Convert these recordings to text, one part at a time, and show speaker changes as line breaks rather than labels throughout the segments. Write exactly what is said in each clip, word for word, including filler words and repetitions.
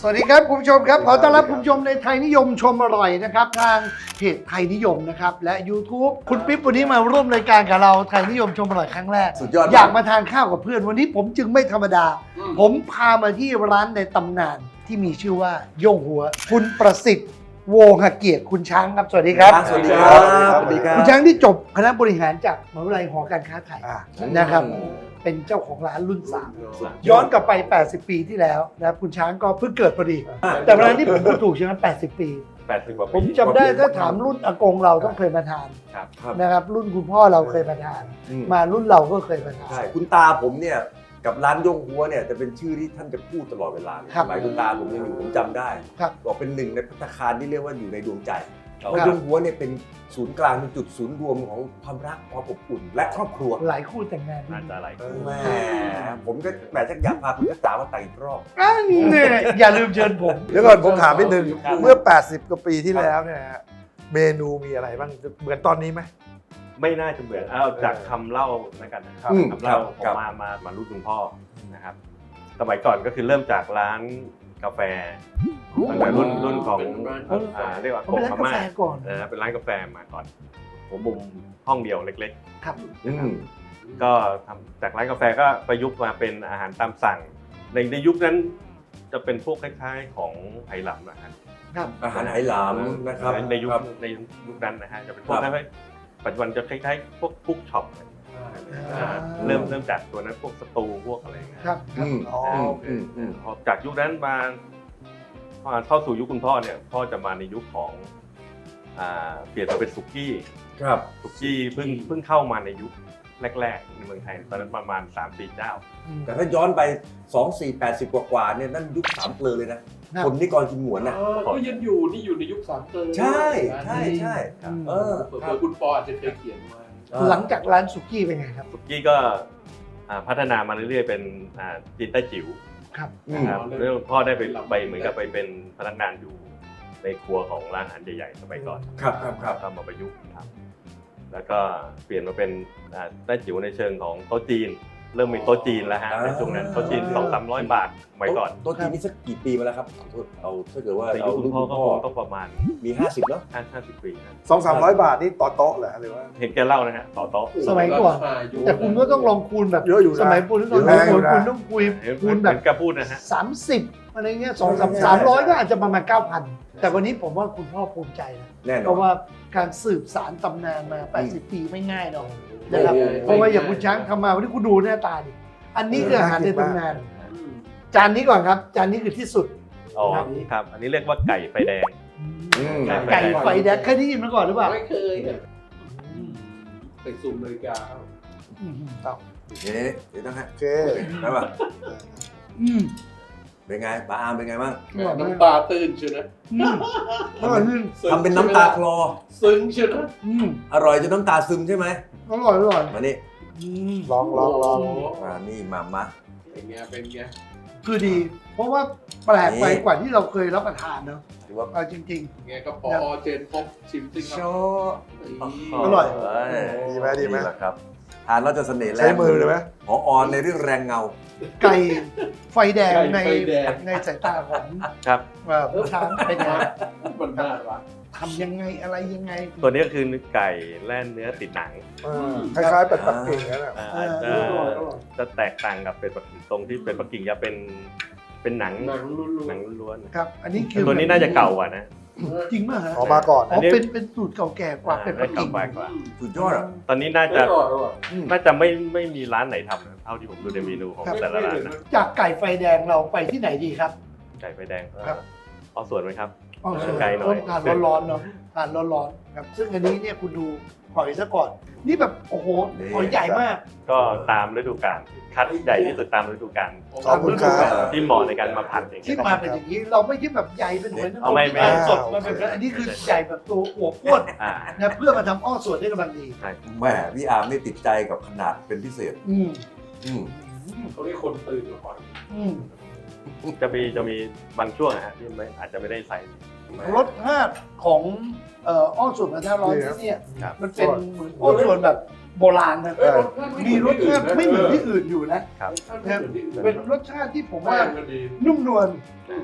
วัสดีครับคุณผู้ชมครับขอต้อนรับคุณผู้ชมในไทยนิยมชมอร่อยนะครับทางเพจไทยนิยมนะครับและ YouTube คุณปิ๊บวันนี้มาร่วมรายการกับเราไทยนิยมชมอร่อยครั้งแรก
สุดยอด
อยากมาทานข้าวกับเพื่อนวันนี้ผมจึงไม่ธรรมดา ผมพามาที่ร้านในตำนานที่มีชื่อว่าโย่งหัวคุณประสิทธิ์โวหเกียรติคุณช้างครับสวัสดีครับ
สวัสดีครับสวัสดีครับ
คุณช้างที่จบคณะบริหารจากมหาวิทยาลัยหอการค้าไทยนะครับเป็นเจ้าของร้านรุ่นสามย้อนกลับไป แปดสิบ ปีที่แล้วนะครับคุณช้างก็เพิ่งเกิดพอดี แต่เวลาที่ผมพูดถูกใช่ไหมแปดสิบ ปี
แปดสิบกว่า
ผ
ปี
มจำได้ถ้าถามรุ่นอากงเราต้องเคยมาทาน
ครับ
นะครับ รุ่นคุณพ่อเราเคยมาทาน
อืม
มารุ่นเราก็เคยมาทาน
ใช่คุณตาผมเนี่ยกับร้านย่งหัวเนี่ยจะเป็นชื่อที่ท่านจะพูดตลอดเวลาเลย
ครับ
สมัยคุณตาผมยังอยู่ผมจำได้
ครับ
บอกเป็นหนึ่งในภัตตาคารที่เรียกว่าอยู่ในดวงใจเพ
ครับ
ราะย่งหัวเนี่ยเป็นศูนย์กลางเป็นจุดศูนย์รวมของความรักความอบอุ่นและครอบครัว
หลายคู่แต่งงาน
น่าจะอะไร
แหมผมก็แหมชักอยากพาคุณกระจ๋ามาแต่งอีกรอบ
อันเนี่ยอย่าลืมเชิญผม
เดี๋ยวก่อนผมถามนิดนึง
ครับ
เมื่อ แปดสิบ กว่าปีที่แล้วเนี่ยฮะเมนูมีอะไรบ้างเหมือนตอนนี้ไหม
ไม่น่าจะเหมือนเอาจากคำเล่าแล้วกันนะครับ
อืม
คำเล่า
ครับ
ผม
ครับ
มามามารุ่นคุณพ่อนะครับสมัยก่อนก็คือเริ่มจากร้านกาแฟตั้งแต่รุ่นรุ่นของอ่าเรียกว่า
ผม
โก
เป็นร้าน
พ
กา
ม่า
แฟก่อน
นะเป็นร้านกาแฟมาก่อนหัวมุมห้องเดียวเล็ก
ครับ
อืม
ๆ ก็ทำจากร้านกาแฟก็ประยุกต์มาเป็นอาหารตามสั่ง ในในยุคนั้นจะเป็นพวกคล้ายๆของไหหลำนะครับ
ครับ
อาหารไหหลำนะครับ
ในยุค
ครับ
ในยุคนั้นนะฮะจะเป็นพวก
ครับ
คล้ายๆปัจจุบันจะคล้ายๆพวกคุกช็อป
อ่า
เริ่มเริ่มจากตัวนั้นพวกสตูพวกอะไรเงี้ย
ครับ
อืม
อ๋อ
อืม
โอเค
อืมอืม
พอจากยุคนั้นมาพอเข้าสู่ยุคคุณพ่อเนี่ยพ่อจะมาในยุคของอ่าเปลี่ยนมาเป็นสุกี้
ครับ
สุกี้เพิ่งเพิ่งเข้ามาในยุคแรกๆในเมืองไทยตอนนั้นประมาณ สามสี่ เจ้า
แต่ถ้าย้อนไปสอง สี่ แปดสิบ กว่าๆเนี่ยนั่นยุคสามเกลอเลยนะคนนิกรกินหมวนน่ะ
เออก็ยังอยู่นี่อยู่ในยุคสามเกลอ
ใช่ใช่ใช่
อืม
เออ
เผื่
ครับ
อๆคุณปออาจจะเคยเขียนไว้
หลังจากร้านสุกี้เป็นไงครับ
สุกี้ก็อ่าพัฒนามาเรื่อยๆเป็นอ่าจีนใต้จิ๋ว
ครับ
อืม
นะครับเรื่องพ่อได้ไปไปเหมือนกับไปเป็นพนักงานอยู่ในครัวของร้านอาหารใหญ่ๆสมัยก่อน
ครับครับครับ
ก็มาประยุกต์ทำแล้วก็เปลี่ยนมาเป็นอ่าแต้จิ๋วในเชิงของโต๊ะจีน เริ่มมีโต๊ะจีนแล้วฮะ
อ่า
ในช่วงนั้นโต๊ะจีนสองสามร้อยบาทสมัยก่อน
โต๊ะจีนนี่สักกี่ปีมาแล้วครับขอโทษเอาถ้าเกิดว่า
ในยุ
เอา
คคุ
รุ่
ณ
น
พ่อ
คุณ
ก็
พ่อ
คงต้องประมาณ
มีห้าสิบแล้ว
ห้าห้าสิบปีนะ
สองสามร้อยบาทนี่ต่อโต๊ะเหรอหรือว่า
เห็นแกเล่านะฮะต่อโต๊ะ
สมัยก่อน แต่คุณก็ต้องลองคูณแบบ
เยอะอยู่นะ
สมัยคุณต้องล
เย
อง
อะ
คูณ
อยู่นะ
คุณต้องคุย
เห็น
คูณ
เห
แบ
มือบ นแกพูดนะฮะ
สามสิบอะไรเงี้ยสองสามสามร้อยก็อาจจะประมาณเก้าพันแต่วันนี้ผมว่าคุณพ่อภูมิใจนะ
แน่น
เพ
อน
ราะว่าการสืบสารตำนานมา แปดสิบ ปีไม่ง่ายหรอก
โอ้
นะครับ
โห
เพราะว่าอย่างคุณช้างทำมาวันนี้คุณดูหน้าตาดิอันนี้คืออาหารในตำนาน จานนี้ก่อนครับ จานนี้คือที่สุด
อ๋อครับ อันนี้เรียกว่าไก่ไฟแดง
อืม
ไก่ไฟแดงเคยได้ยินมาก่อนหรือเปล่า
ไม่เคยอะใส่ซุ่มนาฬิกาครับ
อืมต่อ
เอ๊ะเดี๋ยวต้องให้
โอเค
ได้ป่ะ
อืม
เป็นไงปลาอามเป็นไงบ้าง
แหม่น้ำตาตื้นเชียวนะ
อืมอร่อยจริง
ซึ้ง
ทำเป็นน้ำตาคลอ
ซึ้งเชียวนะ
อืม
อร่อยจนน้ำตาซึมใช่ไหม
อร่อยอร่อย
มานี่
อืม
ลองลองลอง
โโห
อ่านี่มามา
เป็นไงเป็นไง
คือดี เพราะว่าแปลกไป
นี่
กว่าที่เราเคยรับประทานเนาะ
ถือว่า
เอาจริง
ไงก็ปอเจนพบชิมซิงค
โช
รับ
ว์
อร่อย
เอ้ย
ดีไหมดีไหม
แหละครับทานแล้วจะเสน่ห์แร
ใช้
ง
มือเลยไหม
พอออนในเรื่องแรงเงา
ๆ ไก่ไฟแดงใน
ไก่ไฟแดง
ในสายตาของ
ครับ
เอ่อผู้ช้างเป็นไง
มันน่ารัก
ทำยังไงอะไรยังไง
ตัวนี้ก็คือไก่แล่นเนื้อติดหนัง
เออคล้ายๆเป็ดปักกิ่งนั่นแหละ
อ่าอาจจะ
อร่อยอร่อย
จะแตกต่างกับเป็ดปักกิ่งตรงที่เป็ดปักกิ่งจะเป็นเป็นหนัง
หนังลุ้น
หนังล้วน
ครับ อันนี้
ๆ
คือ
ตัวนี้น่าจะเก่ากว่านะ
จริงมากฮะ
ออกมาก่อน
อ๋อเป็นเป็นสูตรเก่าแก่กว่าเป็ดปักกิ่ง
อ่าเก่ากว่า
สุดยอดอ่ะ
ตอนนี้น่า
อ
จะ
ร่อยอร่อย
น่าจะไม่ไม่มีร้านไหนทำนะเท่าที่ผมดูในเมนูของ
ครับ
แต่ละร้านนะ
จากไก่ไฟแดงเราไปที่ไหนดีครับ
ไก่ไฟแดง
ครับ
เอาส่วนไหมครับ
อ๋อ
ไก่หน่อย
ทานร้อนๆเนาะทานร้อนๆครับ ซึ่งอันนี้เนี่ยคุณดูหอยซะก่อน นี่แบบโอ้โหหอยใหญ่มาก
ก็ตามฤดูกาลคัดใหญ่ที่สุดตามฤดูกาล
ขอบคุณครับ
ที่เหมาะในการมาผัดอย่าง
ที่
เงี้ย
มาเป็นอย่างนี้เราไม่ใช่แบบใหญ่เป็นหอยนางร
เอาไม่ไม่
ที่สดมาเป็นแบบอันนี้คือใหญ่แบบตัวอวบอ้วน
อ่า
นะเพื่อมาทำอ้อส่วนได้กำลังดี
ใช่
แหมพี่อาร์มนี่ติดใจกับขนาดเป็นพิเศษ
อืม
อืม
เขาเรียกคนตื่นก่อน
อืม
จะมีจะมีบางช่วงนะฮะที่ไม่อาจจะไม่ได้ใส่
รสชาติของเอ่ออ้อส่วนกระทะร้อนที่เนี่ย
ครับ
มันเป็นเหมือนอ้อส่วนแบบโบราณนะ
เอ้ยรสชาติ
มีรสชาติไม่เหมือนที่อื่นอยู่นะ
ครับ
รสชาติไม่เหมือนที่อื่น
เป็นรสชาติที่ผม
แป้
ว่าง
ก็ดี
นุ่มนวล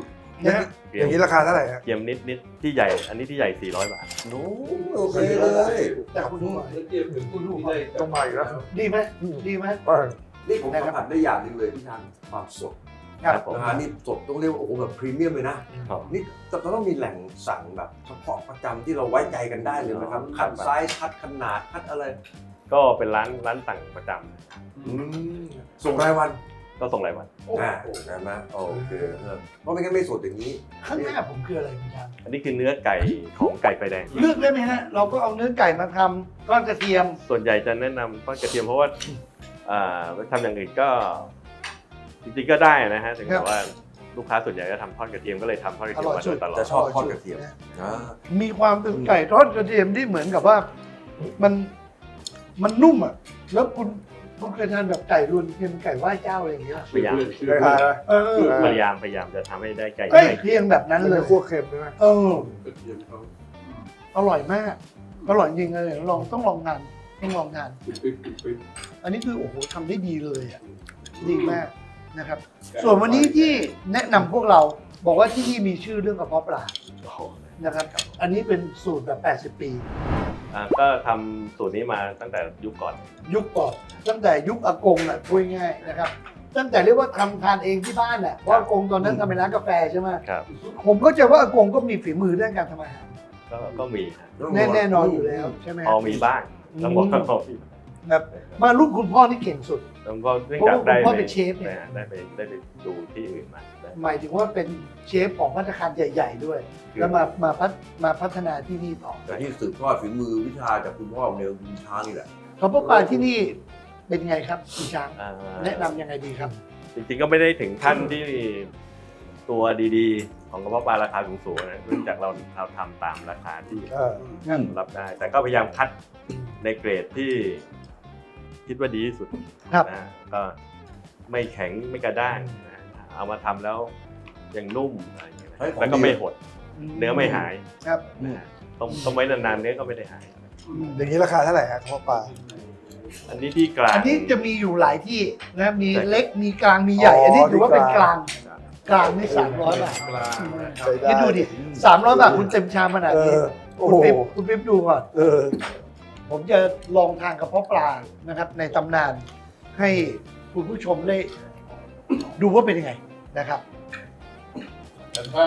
นะฮะ
เกรี
อย ย่าม งนี้ราคาเท่าไหร่ฮะ
เกรียมนิดนิดที่ใหญ่ อันนี้ที่ใหญ่สี่ร้อยบาท
โน้โอเคเลย
แต่คุณดูหน่อย
แล้วเทียบถึงคุณที่ได้
ต้องมาอีกแล้ว
ดีไหมดีไหม
อ่า
นี่ผมสัมผัสได้อย่างหนึ่งเลยพี่ทางความสด
ครับผม
นะฮะนี่สดต้องเรียกว่าโอ้โหแบบพรีเมียมเลยนะครับ นี่จะต้องมีแหล่งสั่งแบบเฉพาะประจำที่เราไว้ใจกันได้เลยนะครับ
อ๋อ
คัดไซส์คัดขนาดคัดอะไร
ก็เป็นร้านร้านสั่งประจำ
อืมส่งรายวัน
ก็ส่งรายวัน
อ่าใช่ไหมโอเคเออเพราะไม่งั้นไม่สดอย่างนี้
ข้างหน้าผมคืออะไรคุณช้าง
อันนี้คือเนื้อไก่ของไก่ไฟแดง
เลือกได้ไหมฮะ เราก็เอาเนื้อไก่มาทำก้อนกระเทียม
ส่วนใหญ่จะแนะนำทอดกระเทียมเพราะว่าอ่าไปทำอย่างอื่นก็จริงๆก็ได้นะฮะถึง
ครั
แต่
บ
ว่าลูกค้าส่วนใหญ่ก็ทำทอดกระเทียมก็เลยทำทอดกระเทียมมาโดยตลอด
จะชอบทอดกระเทียมอ่า
มีความเป็นไก่ทอดกระเทียมที่เหมือนกับว่ามันมันนุ่มอ่ะ แล้วคุณคุณเคยทานแบบไก่รวนเทียมไก่ไหว้เจ้าอะไรอย่างเงี้ย
พยายาม
ราคานะ
เออ
พยายามพยายามจะทำให้ได้ไก่
ใกล้เคียงแบบนั้น
มัน
เล
จะ
ย
คั่วเค็มใช่ไหม
เออ
กระเทียมเขา
อร่อยมาก อร่อยจริงเลยลองต้องลองทานต้องลองทาน
ปิดปิดปิดปิด
อันนี้คือโอ้โหทำได้ดีเลยอ่ะ ดีมากนะครับ ส่วนวันนี้ที่แนะนำพวกเราบอกว่าที่นี่มีชื่อเรื่องกระเพาะปลานะครับ อันนี้เป็นสูตรแบบ แปดสิบ ปี
อ่าก็ทำสูตรนี้มาตั้งแต่ยุคก่อน
ยุคก่อนตั้งแต่ยุคอากงอ่ะพูดง่ายๆนะครับ ตั้งแต่เรียกว่าทำทานเองที่บ้านอ่ะเพราะอากงตอนนั้นทำเป็นร้านกาแฟใช่ไหม
ครับ
ผมก็จะว่าอากงก็มีฝีมือเรื่องการทำอาหาร
ก็ก็มีฮะ
แน่แน่นอนอยู่แล้วใช่ไหม
พอมีบ้างต้องบอกว่าพอมี
ครับมารุ่นคุณพ่อนี่เก่งสุด
แล้วก็เนื่องจากได้
เพราะว่าคุณพ่อเป็นเชฟเนี่ย
ได้ได้ไปได้ไปดูที่อื่นมาได้
หมายถึงว่าเป็นเชฟของภัตตาคารใหญ่ ๆ ด้วย แล้วมามาพัฒมาพัฒนาที่นี่ต่อ
แต่ที่สืบทอดฝีมือวิชาจากคุณพ่อเนี่ยคุณช้างนี่แหละ
กระเพาะปลาที่นี่เป็นไงครับคุณช้าง
อ่า
แนะนำยังไงดีครับ
จริงๆก็ไม่ได้ถึงขั้นที่ตัวดีๆ ของกระเพาะปลาราคาสูงๆนะเนื่องจากเราเราทำตามราคาที่
เออ
รับได้ แต่ก็พยายามคัดในเกรดที่คิดว่าดีที่สุด
ครับ
นะก็ไม่แข็งไม่กระด้างนะเอามาทำแล้วยังนุ่มอะไรอย่างเงี้ยนะ
เฮ้ยของ
แล้วก็
ดี
ไม่หดเนื้อไม่หาย
ครับ
นะฮะต้มต้มไว้นานๆเนื้อก็ไม่ได้หาย
อย่างนี้ราคาเท่าไหร่ฮะกระเพาะปลา
อันนี้ที่กลาง
อันนี้จะมีอยู่หลายที่นะมีเล็กมีกลางมีใหญ่ อันนี้ถือว่าเป็นกลางกลางนี่สามร้อยบาท
กลาง
ใช้ได้
คิดดูดิสามร้อยบาทคุณเต็มชามขนาด
เอ
นี้
อโอ้
คุณ
โห
ปิ๊บคุณปิ๊บดูก่อน
เออ
ผมจะลองทานกระเพาะปลานะครับ ในตำนาน ให้คุณผู้ชมได้ ดูว่าเป็นยังไงนะครับ
แต่ถ้า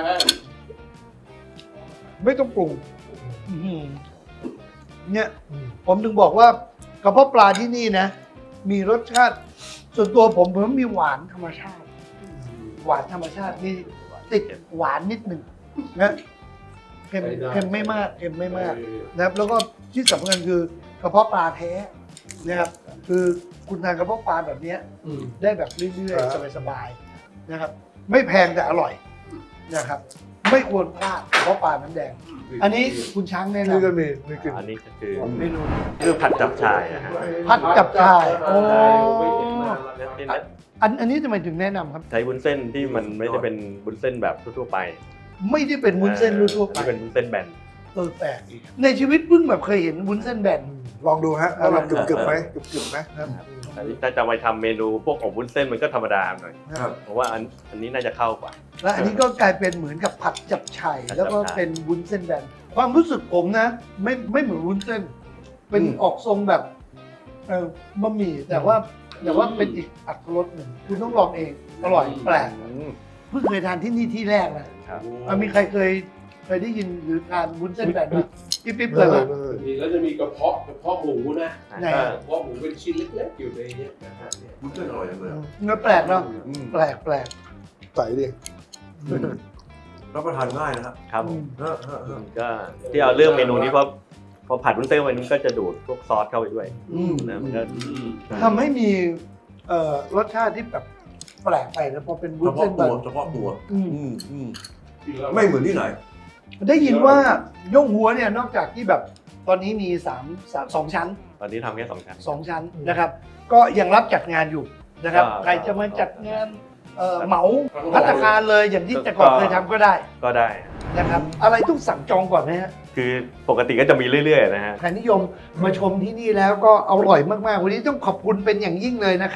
ไม่ต้องปรุงอื้อหือเนี่ยผมถึงบอกว่ากระเพาะปลาที่นี่นะ มีรสชาติ ส่วนตัวผมผมมีหวานธรรมชาติ หวานธรรมชาตินี่ติดหวานนิดหนึ่งนะเค็มเค็มไม่มากเค็มไม่มากนะครับ แล้วก็ที่สำคัญคือกระเพาะปลาแท้นะครับ คือคุณทานกระเพาะปลาแบบเนี้ย
อืม
ได้แบบเรื่อย
ครับ
ๆสบายๆนะครับ ไม่แพงแต่อร่อยนะครับ ไม่ควรพลาดกระเพาะปลาน้ำแดง อันนี้คุณช้างแนะ
นี่ก็
นำ
มีมีกลิ่น
อันนี้ก็คือ
เมนู
คือผัดจับชายนะฮะ
ผัดจับฉ่ายโอ้
ไม่เห็นนานแล้ว
ที่
นะ
อันอันนี้ทำไมถึงแนะนำครับ
ใช้วุ้นเส้นที่มันไม่ได้เป็นวุ้นเส้นแบบทั่วๆไป
ไม่ได้เป็นวุ้นเส้นทั่วๆไป
ที่เป็นวุ้นเส้นแบน
เออแปลกในชีวิตเพิ่งแบบเคยเห็นวุ้นเส้นแบน
ลองดูฮะว่าลองกึบกึบๆไหม
เออ
กึบกึบๆไหม
อันนี้ถ้าจะไปทำเมนูพวกอบวุ้นเส้นมันก็ธรรมดาหน่อย
ครับ
เพราะว่าอันอันนี้น่าจะเข้ากว่า
และอันนี้ก็กลายเป็นเหมือนกับผัดจับฉ่าย
ผัดจับฉ่าย
แล้วก็เป็นวุ้นเส้นแบนความรู้สึกผมนะ ไม่ไม่เหมือนวุ้นเส้น เป็น
อืม
ออกทรงแบบเออบะหมี่แต่ว่าแต่ว่าเป็นอีกอัตรสหนึ่งคุณต้องลองเองอร่อยแปลกเพิ่งเคยทานที่นี่ที่แรกนะครับ อ่ะมีใครเคยเคยได้ยินหรือทานวุ้นเส้นแบนไหมพี่ปิ๊บ
เอ
เลย
อ
ปะ
เออ
มีแล้วจะมีกระเพาะกระเพาะหมูนะ
ไหน
ก็
กระเพาะหมูเป็นชิ้นเล็กๆอยู่ในเนี้ยนะฮะเนี่ย
มันก็อร่อยจังเลย
เนื้อแปลกเนาะ
อืม
แปลกแปลก
ใส่ดิ
รับประทานง่ายนะครับ
ครับผม
เออเออเออ
ก็ที่เอาเรื่องเมนูนี้เพราะพอผัดวุ้นเส้นไว้นี้ก็จะดูดพวกซอสเข้าไปด้วย
อืม
นะมันก็
ทำให้มีเอ่อรสชาติที่แบบแปลกไปแล้วพอเป็นวุ้
เฉ
นเส้
พาะ
นแบ
ตัว
บ
เฉพาะตัว
อืม
อืมอืมไม่เหมือนที่ไหน
ได้ยินว่าย่งหัวเนี่ยนอกจากที่แบบตอนนี้มีสามสามสองชั้น
ตอนนี้ทำแค่สองชั้น
สองชั้นนะครับ ก็ยังรับจัดงานอยู่นะครับ
ก็
ใครจะมาจัดงานเอ่อเหมาพัตตาคารเลยอย่างที่แต่ก่อนเคยทำก็ได้
ก็ได้
นะครับ อะไรต้องสั่งจองก่อนไหมฮะ
คือปกติก็จะมีเรื่อยๆนะฮะ
ใครนิยมมาชมที่นี่แล้วก็อร่อยมากๆ วันนี้ต้องขอบคุณเป็นอย่างยิ่งเลยนะครับ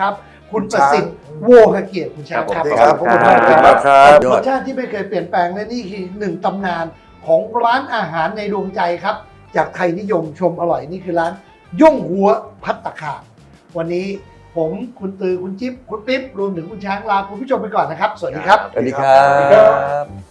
คุณประสิทธิ์โวหเกียรติคุณช้างครับ
ครับ
ขอบคุณมาก
ขอบคุณมาก
ค
ครั
รับบ รสชาติที่ไม่เคยเปลี่ยนแปลงและนี่คือหนึ่งตำนานของร้านอาหารในดวงใจครับ จากไทยนิยมชมอร่อยนี่คือร้านย่งหัวพัตตาคารวันนี้ผมคุณตือคุณจิ๊บคุณปิ๊บรวมถึงคุณช้างลาคุณผู้ชมไปก่อนนะครับ สวัสดีครับ
สวัสดีครับ